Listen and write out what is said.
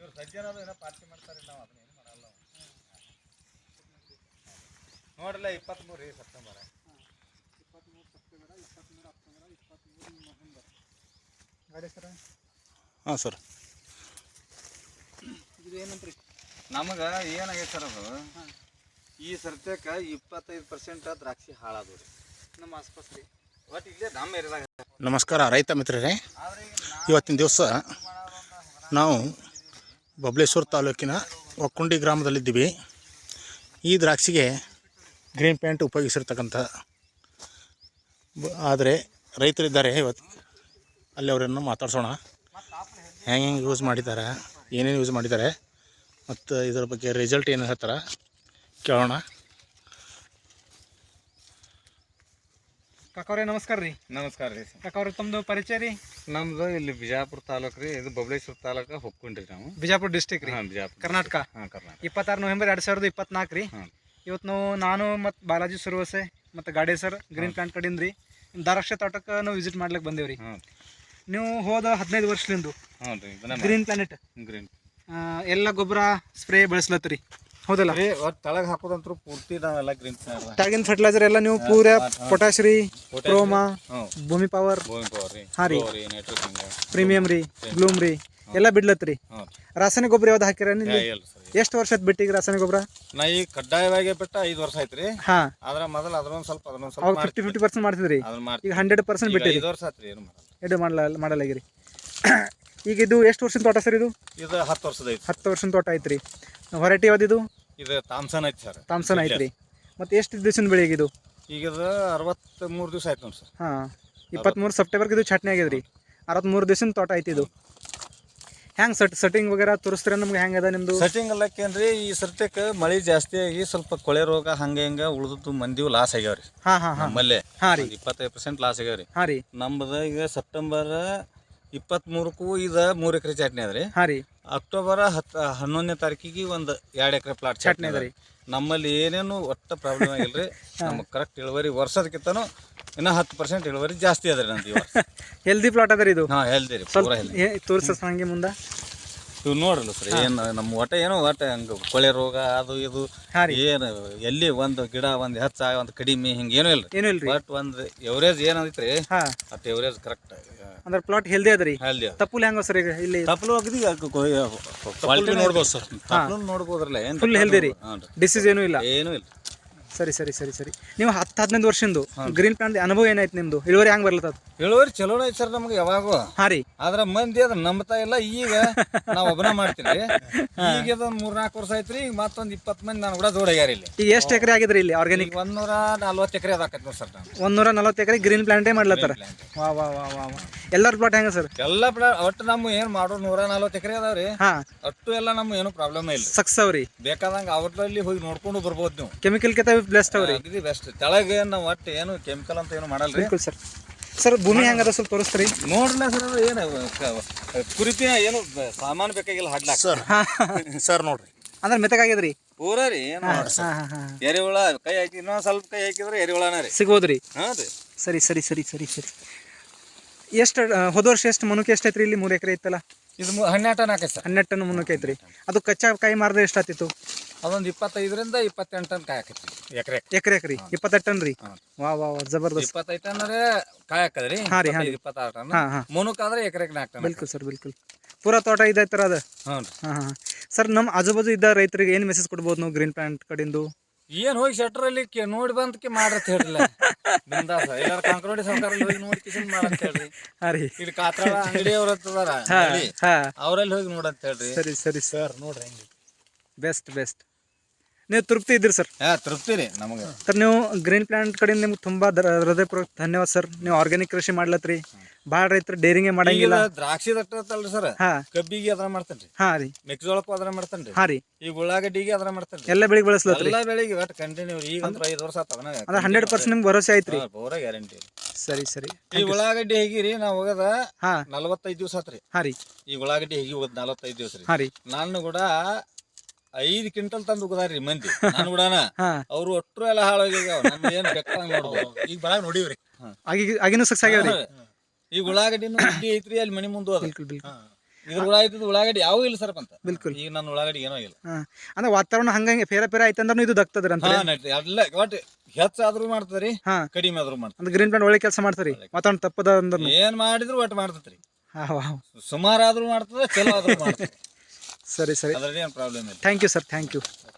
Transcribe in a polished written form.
ನೋಡ್ರಲ್ಲ 23 September 23 September 23 October 23 November ಗಾಡಿ sir. ಹಾಂ sir. ಇದು ಏನಂತ್ರಿ ನಮಗೆ ಏನಾಗೈತೆ ಸರ್ ಅದು ಈ ಸರ್ತ್ಯಕ್ಕೆ 25% ದ್ರಾಕ್ಷಿ ಹಾಳಾದವು ರೀ ನಮ್ಮ ಆಸ್ಪಾಸ್ ರೀ. ಒಟ್ಟು ಇಲ್ಲೇ ನಮ್ಮ ಏರಿಯಾದಾಗ. ನಮಸ್ಕಾರ ರೈತ ಮಿತ್ರರೇ. ಇವತ್ತಿನ ದಿವಸ ನಾವು ಬಬಲೇಶ್ವರ ತಾಲೂಕಿನ ಒಕ್ಕುಂಡಿ ಗ್ರಾಮದಲ್ಲಿದ್ದೀವಿ. ಈ ದ್ರಾಕ್ಷಿಗೆ ಗ್ರೀನ್ ಪ್ಯಾಂಟ್ ಉಪಯೋಗಿಸಿರ್ತಕ್ಕಂಥ ಆದರೆ ರೈತರಿದ್ದಾರೆ ಇವತ್ತು. ಅಲ್ಲಿ ಅವರನ್ನು ಮಾತಾಡ್ಸೋಣ. ಹೆಂಗೆ ಯೂಸ್ ಮಾಡಿದ್ದಾರೆ, ಏನೇನು ಯೂಸ್ ಮಾಡಿದ್ದಾರೆ ಮತ್ತು ಇದರ ಬಗ್ಗೆ ರಿಸಲ್ಟ್ ಏನು ಹೇಳ್ತಾರೆ ಕೇಳೋಣ. ಕಾಕವ್ರೆ ನಮಸ್ಕಾರ ರೀ. ನಮಸ್ಕಾರ ರೀ ಕಾಕವ್ರೆ, ತಮ್ಮದು ಪರಿಚಯ ರೀ? ನಮ್ದು ಇಲ್ಲಿ ಬಿಜಾಪುರ ತಾಲೂಕು ರೀ. ಇದು ಬಬಲೇಶ್ವರ ತಾಲೂಕು ಹೊಕ್ಕೊಂಡ್ರಿ ನಾವು. ಬಿಜಾಪುರ ಡಿಸ್ಟಿಕ್ ರೀ, ಬಿಜಾಪುರ, ಕರ್ನಾಟಕ. ಹಾಂ, ಕರ್ನಾಟಕ. 26 ನವೆಂಬರ್ 2024 ರೀ. ಇವತ್ತು ನಾನು ಮತ್ತು ಬಾಲಾಜಿ ಸುರವಸೆ ಮತ್ತು ಗಾಡಿ ಸರ್ ಗ್ರೀನ್ ಪ್ಲಾಂಟ್ ಕಡೆಯಿಂದ ರೀ ದ್ರಾಕ್ಷಿ ತೋಟಕ್ಕೆ ನಾವು ವಿಸಿಟ್ ಮಾಡ್ಲಿಕ್ಕೆ ಬಂದೇವ್ರಿ. ನೀವು ಹೋದ 15 ವರ್ಷದಿಂದ ಗ್ರೀನ್ ಪ್ಲಾನೆಟ್ ಎಲ್ಲ ಗೊಬ್ಬರ ಸ್ಪ್ರೇ ಬಳಸ್ಲತ್ರಿ, ಹೌದಲ್ಲ? ಒಟ್ಟು ತಳಗ ಹಾಕೋದಂತೂ ಪೂರ್ತಿ ನಾವೆಲ್ಲ ಗ್ರೀನ್ ತಾಗಿನ ಫರ್ಟಿಲೈಸರ್ ಎಲ್ಲ ನೀವು ಪೂರ ಪೊಟ್ಯಾಶ್ ರೀ, ಕ್ರೋಮಾ, ಭೂಮಿ ಪವರ್, ಹಾಂ ರೀ, ಪ್ರೀಮಿಯಂ ರೀ, ಬ್ಲೂಮ್ ರೀ ಎಲ್ಲ ಬಿಡ್ಲತ್ರಿ. ರಾಸಾಯನಿಕ ಗೊಬ್ಬರ ಯಾವ್ದು ಹಾಕಿರ? ಎಷ್ಟು ವರ್ಷ ಆಯ್ತು ಬಿಟ್ಟಿಗೆ ರಾಸಾಯನಿಕ ಗೊಬ್ಬರ? ನಾ ಈಗ ಕಡ್ಡಾಯವಾಗಿ ಬಿಟ್ಟ 5 ವರ್ಷ ಆಯ್ತ್ರಿ. ಹಾ, ಆದ್ರ ಮೊದಲು ಅದನ್ನೊಂದು ಸ್ವಲ್ಪ 50% ಮಾಡ್ತಿದ್ರಿ. ಈಗ 100% ಬಿಟ್ಟಿರಿ. 5 ವರ್ಷ ಆತ್ರಿ. ಏನು ಮಾಡಲಾಗಿರಿ. ಈಗ ಇದು ಎಷ್ಟು ವರ್ಷದ ತೋಟ ಸರ್? ಇದು 10 ವರ್ಷದ ಐತಿ. 10 ವರ್ಷದ ತೋಟ ಐತ್ರಿ. ವೆರೈಟಿ ಯಾವ್ದು? ಇದು ಥಾಮ್ಸನ್ ಐತಿ ಸರ್. ಥಾಮ್ಸನ್ ಐತ್ರಿ. ಮತ್ತೆ ಎಷ್ಟು ದಿವಸದ ಬೆಳೆ ಇದು? ಈಗ 63 ದಿವಸ ಆಯ್ತು ನೋಡಿ ಸರ್. ಹಾಂ, 23 ಸೆಪ್ಟೆಂಬರ್ಗೆ ಇದು ಚಟ್ನಿ ಆಗ್ಯದ್ರಿ. 63 ದಿವಸದ ತೋಟ ಐತಿ ಇದು. ಹೆಂಗೆ ಸೆಟ್ಟಿಂಗ್ ವಗೇರಾ ತೋರಿಸ್ತೀರ ನಮ್ಗೆ? ಹೆಂಗೆ ಅದ ನಿಮ್ಮದು ಸೆಟ್ಟಿಂಗ್ ಅಲ್ಲಕ್ಕೇನ್ರಿ? ಈ ಸರ್ತಿಕ್ಕೆ ಮಳೆ ಜಾಸ್ತಿ ಆಗಿ ಸ್ವಲ್ಪ ಕೊಳೆ ರೋಗ ಹಂಗೆ ಹಿಂಗೆ ಉಳಿದದ್ದು ಮಂದಿವು ಲಾಸ್ ಆಗ್ಯಾವ್ರಿ. ಹಾಂ ಹಾಂ ಹಾಂ, ನಮ್ಮಲ್ಲೇ. ಹಾಂ ರೀ, 25% ಲಾಸ್ ಆಗ್ಯಾವ್ರಿ. ಹಾಂ ರೀ. ನಮ್ದು ಈಗ ಸೆಪ್ಟೆಂಬರ್ 23ಕ್ಕೂ ಇದು 3 ಎಕರೆ ಚಟ್ನಿ ಅದ್ರಿ. ಹಾಂ ರೀ. ಅಕ್ಟೋಬರ್ 11ನೇ ತಾರೀಕಿಗೆ ಒಂದು 2 ಎಕರೆ ಪ್ಲಾಟ್ ಚಟ್ನಿ ಅದ ರೀ. ನಮ್ಮಲ್ಲಿ ಏನೇನು ಒಟ್ಟು ಪ್ರಾಬ್ಲಮ್ ಆಗಿಲ್ರಿ. ನಮಗೆ ಕರೆಕ್ಟ್ ಇಳುವರಿ ವರ್ಷದಕ್ಕಿಂತನೂ ಇನ್ನೂ 10% ಇಳುವರಿ ಜಾಸ್ತಿ ಅದ್ರಿ ನಂದು. ಹೆಲ್ದಿ ಪ್ಲಾಟ್ ಅದ ರೀ ಇದು. ಹಾಂ, ಹೆಲ್ದಿ ರೀ, ಪೂರ ಹೆಲ್ದಿ. ತೋರಿಸ ಹಂಗೆ ಮುಂದೆ ಇವು ನೋಡ್ರಲ್ಲ ಸರ್, ಏನು ನಮ್ಮ ಒಟ್ಟ ಏನೋ ಒಟ್ಟು ಹಂಗೆ ಕೊಳೆ ರೋಗ ಅದು ಇದು ಏನು ಎಲ್ಲಿ ಒಂದು ಗಿಡ ಒಂದು ಹೆಚ್ಚ ಒಂದು ಕಡಿಮೆ ಹಿಂಗೆ ಏನೂ ಇಲ್ಲ. ಏನೂ ಇಲ್ರಿ. ಬಟ್ ಒಂದು ಎವರೇಜ್ ಏನೈತ್ರಿ, ಹಾಂ, ಅಷ್ಟು ಎವರೇಜ್ ಕರೆಕ್ಟ್ ಅಂದ್ರೆ ಪ್ಲಾಟ್ ಹೆಲ್ದಿ ಅದ್ರಿ. ಹೆಲ್ದಿ. ತಪ್ಪುಲ್ ಹೆಂಗ ಸರ್? ಈಗ ಇಲ್ಲಿ ತಪ್ಪಲು ಕ್ವಾಲಿಟಿ ನೋಡ್ಬೋದು ಸರ್. ತಪ್ಪಲು ನೋಡ್ಬೋದ್ರಲ್ಲ. ಏನು ಫುಲ್ ಹೆಲ್ದಿ ರೀ, ಡಿಸೀಸ್ ಏನೂ ಇಲ್ಲ, ಏನೂ ಇಲ್ಲ. ಸರಿ ಸರಿ ಸರಿ ಸರಿ. ನೀವು 10-15 ವರ್ಷದ್ದು ಗ್ರೀನ್ ಪ್ಲಾಂಟ್ ಅನುಭವ ಏನಾಯ್ತು ನಿಮ್ದು? ಇಳುವರಿ ಹೆಂಗ್ ಬರ್ಲತ್ತದ? ಇಳುವರಿ ಚಲೋನ ಐತಿ ಸರ್ ನಮ್ಗೆ ಯಾವಾಗೂ. ಹಾಂ ರೀ. ಆದ್ರೆ ಮಂದಿ ಅದನ್ನ ನಂಬ್ತಾ ಇಲ್ಲ. ಈಗ ನಾವು ಒಬ್ಬನ ಮಾಡ್ತೀವಿ. ಈಗ ಇದೊಂದು 3-4 ವರ್ಷ ಐತ್ರಿ. ಈಗ ಮತ್ತೊಂದು 20 ಮಂದಿ ನಾನು ಕೂಡ ಜೋಡಾಗ್ಯಾರ ಇಲ್ಲಿ. ಈಗ ಎಷ್ಟು ಎಕರೆ ಆಗಿದ್ರಿ ಇಲ್ಲಿ ಆರ್ಗ್ಯಾನಿಕ್? 140 ಎಕರೆ ಅದಾಕೈತಿ ನೋಡಿ ಸರ್. 140 ಎಕರೆ ಗ್ರೀನ್ ಪ್ಲಾಂಟೇ ಮಾಡ್ಲತ್ತಾರ. ವಾ ವಾ ವಾ ವಾ ವಾ. ಎಲ್ಲರ ಪ್ಲಾಟ್ ಹೆಂಗ ಸರ್? ಎಲ್ಲ ಪ್ಲಾಟ್ ಒಟ್ಟು ನಮ್ಮ ಏನು ಮಾಡೋ 140 ಎಕರೆ ಅದಾವ್ರಿ. ಹಾ, ಅಷ್ಟು ಎಲ್ಲ ನಮ್ಗೆ ಏನು ಪ್ರಾಬ್ಲಮ್ ಇಲ್ಲ. ಸಕ್ಸಸ್ ಅವ್ರಿ. ಬೇಕಾದಂಗ ಅವ್ರಲ್ಲಿ ಹೋಗಿ ನೋಡ್ಕೊಂಡು ಬರ್ಬೋದು ನೀವು. ಕೆಮಿಕಲ್ ಕಿಂತ ಬೆಸ್ಟ್ ಅವ್ರಿ. ಇದು ಬೆಸ್ಟ್. ತೆಳಗೆ ನಾವು ಒಟ್ಟು ಏನು ಕೆಮಿಕಲ್ ಅಂತ ಏನು ಮಾಡಲ್ರಿ. ಸರ್ ಸರ್ ಭೂಮಿ ಹೆಂಗದ ಸ್ವಲ್ಪ ತೋರಿಸ್ತೀರಿ? ನೋಡ್ರಲ್ಲ ಸರ್, ಏನು ಕುರಿಪಿನ ಏನು ಸಾಮಾನು ಬೇಕಾಗಿಲ್ಲ ಹಾಡ್ಲಾಕ ಸರ್ ನೋಡ್ರಿ, ಅಂದ್ರೆ ಮೆತ್ತಗಾಗ್ಯದ್ರಿ ಪೂರ ರೀ. ಏನು ಎರೆಹುಳ ಕೈ ಹಾಕಿ ಇನ್ನೊಂದು ಸ್ವಲ್ಪ ಕೈ ಹಾಕಿದ್ರೆ ಎರೆಹುಳನ ರೀ ಸಿಗೋದ್ರಿ. ಹಾಂ ರೀ. ಸರಿ ಸರಿ ಸರಿ ಸರಿ ಸರಿ. ಎಷ್ಟು ಹೋದ ವರ್ಷ ಎಷ್ಟು ಮುನುಕೆ ಎಷ್ಟು ಐತ್ರಿ? ಇಲ್ಲಿ 3 ಎಕರೆ ಐತಲ್ಲ, ಇದು 12 ಟನ್ ಆಕೈತೆ ಸರ್. 12 ಟನ್ ಮುನುಕೆ ಐತ್ರಿ. ಅದು ಕಚ್ಚಾ ಕಾಯಿ ಮಾರಿದ್ರೆ ಎಷ್ಟಾತಿತ್ತು? ಅದೊಂದು 25ರಿಂದ 28 ಟನ್ ಕಾಯಿ ಹಾಕೈತಿ ಎಕರೆ. ಎಕರೆ 28 ಟನ್ ರೀ. ವಾ ವಾ ವಾ, ಜಬರ್ದಸ್ತ್. 25 ಟನ್ ಕಾಯಿ ಹಾಕದ್ರಿ. 26 ಟನ್ ಮುನುಕಾದ್ರೆ ಎಕರೆಗೆ 4 ಟನ್. ಬಿಲ್ಕುಲ್ ಸರ್, ಬಿಲ್ಕುಲ್. ಪೂರಾ ತೋಟ ಇದೈತರ ಅದ. ಹಾಂ ಹಾಂ ಸರ್, ನಮ್ಮ ಆಜುಬಾಜು ಇದ್ದ ರೈತರಿಗೆ ಏನು ಮೆಸೇಜ್ ಕೊಡ್ಬೋದು ನಾವು ಗ್ರೀನ್ ಪ್ಲಾಂಟ್ ಕಡೆಯಿಂದ? ಏನು ಹೋಗಿ ಶೆಟ್ರಲ್ಲಿ ನೋಡಿ ಬಂದಕ್ಕೆ ಮಾಡ್ರತ್ ಹೇಳ್ರಲ್ಲ. ಬಿಂದಾಸ ಎಲ್ಲಾರು ಕಾಂಕ್ರೋಡಿ ಸರ್ಕಾರಲ್ಲಿ ಹೋಗಿ ನೋಡಿ ಕಿಶನ್ ಮಾಡಂತ ಹೇಳ್ರಿ. ಹಾಂ ರೀ. ಇಲ್ಲಿ ಕಾತ್ರಾಳ ಅಂಗಡಿ ಅವ್ರ ಹತ್ತದಾರ, ಅವರಲ್ಲಿ ಹೋಗಿ ನೋಡಂತ ಹೇಳ್ರಿ. ಸರಿ ಸರಿ ಸರ್, ನೋಡ್ರಿ ಹೆಂಗೆ ಬೆಸ್ಟ್ ಬೆಸ್ಟ್. ನೀವು ತೃಪ್ತಿ ಇದ್ದೀರಿ ಸರ್? ಹಾಂ, ತೃಪ್ತಿ ರೀ ನಮಗೆ ಸರ್. ನೀವು ಗ್ರೀನ್ ಪ್ಲಾಂಟ್ ಕಡೆಯಿಂದ ನಿಮ್ಗೆ ತುಂಬ ಹೃದಯಪೂರ್ವಕ ಧನ್ಯವಾದ ಸರ್. ನೀವು ಆರ್ಗ್ಯಾನಿಕ್ ಕೃಷಿ ಮಾಡ್ಲತ್ರಿ. ಭಾಳ ರೈತರು ಡೇರಿಂಗೇ ಮಾಡಂಗಿಲ್ಲ. ದ್ರಾಕ್ಷಿ ದಟ್ಟಲ್ರಿ ಸರ್. ಕಬ್ಬಿಗೆ ಅದರ ಮಾಡ್ತೇನ್ರಿ. ಹಾಂ ರೀ. ಮೆಕ್ಕೆಜೋಳಕ್ಕೂ ಅದರ ಮಾಡ್ತೇನ್ರಿ. ಹಾಂ ರೀ. ಈಗ ಉಳ್ಳಾಗಡ್ಡಿಗೆ ಅದರ ಮಾಡ್ತೇನ್ರಿ. ಎಲ್ಲ ಬೆಳಿಗ್ಗೆ ಬಳಸ್ಲತ್ರಿ? ಎಲ್ಲ ಬೆಳಿಗ್ಗೆ ಒಟ್ಟು ಕಂಟಿನ್ಯೂ. ಈಗ 5 ವರ್ಷ ಆತದ. ಅಂದ್ರೆ 100% ನಿಮ್ಗೆ ಭರೋಸೆ ಐತ್ರಿ? ಪೂರ ಗ್ಯಾರಂಟಿ. ಸರಿ ಸರಿ. ಈ ಉಳ್ಳಾಗಡ್ಡಿ ಹೇಗಿರಿ ನಾವು ಹೋಗದ 45 ದಿವಸ ಆತ್ರಿ. ಹಾಂ ರೀ. ಈ ಉಳ್ಳಾಗಡ್ಡಿ ಹೇಗಿ ಹೋಗದ್ 45 ದಿವಸ ರೀ. ಹಾಂ ರೀ. ನಾನು ಕೂಡ 5 ಕ್ವಿಂಟಲ್ ತಂದು ಉಗದಾರ್ರಿ ಮಂದಿ. ನಾನು ಕೂಡ ಅವ್ರು ಒಟ್ಟರು ಎಲ್ಲ ಹಾಳಾಗ್ಯಾವ. ನಮ್ಗೆ ಏನು ಬೇಕಾಗ ನೋಡ್ಬೋದು. ಈಗ ಬರಾಗ ನೋಡಿವ್ರಿ. ಆಗಿನೂ ಸಕ್ಸ್ ಆಗ್ಯಾವ್ರಿ. ಈಗ ಉಳ್ಳಾಗಡ್ಡಿನೂ ಗಡ್ಡಿ ಐತ್ರಿ ಅಲ್ಲಿ ಮನಿ ಮುಂದೆ. ಇದ್ರ ಉಳ್ಳಾಗಡ್ಡಿ ಯಾವ ಇಲ್ಲ ಸರ್ ಅಂತ ಬಿಲ್ಕುಲ್. ಈಗ ನನ್ನ ಉಳ್ಳಾಗಡ್ಡಿ ಏನೋ ಇಲ್ಲ. ಹಾಂ ಅಂದ್ರೆ ವಾತಾವರಣ ಹಂಗಂಗೆ ಫೇರ ಫೇರ ಆಯ್ತಂದ್ರೂ ಇದು ದಕ್ತದ್ರಿ ಅಂತ. ಎಲ್ಲ ಒಟ್ಟು ಹೆಚ್ಚಾದ್ರೂ ಮಾಡ್ತದ್ರಿ, ಹಾಂ ಕಡಿಮೆ ಆದ್ರೂ ಮಾಡ್ತದೆ. ಅಂದ್ರೆ ಗ್ರೀನ್ ಪ್ಲಾಂಟ್ ಒಳ್ಳೆ ಕೆಲಸ ಮಾಡ್ತಾರೆ ವಾತಾವರಣ ತಪ್ಪದ ಅಂದ್ರೆ. ಏನ್ ಮಾಡಿದ್ರು ಒಟ್ಟು ಮಾಡ್ತದ್ರಿ. ಹಾಂ ಸುಮಾರು ಆದ್ರೂ ಮಾಡ್ತದೆ, ಚಲೋ ಆದ್ರೂ ಮಾಡ್ತದೆ. ಸರಿ ಸರಿ, ಅದ್ರಲ್ಲಿ ಏನು ಪ್ರಾಬ್ಲಮ್ ಇಲ್ಲ. Thank you sir, thank you.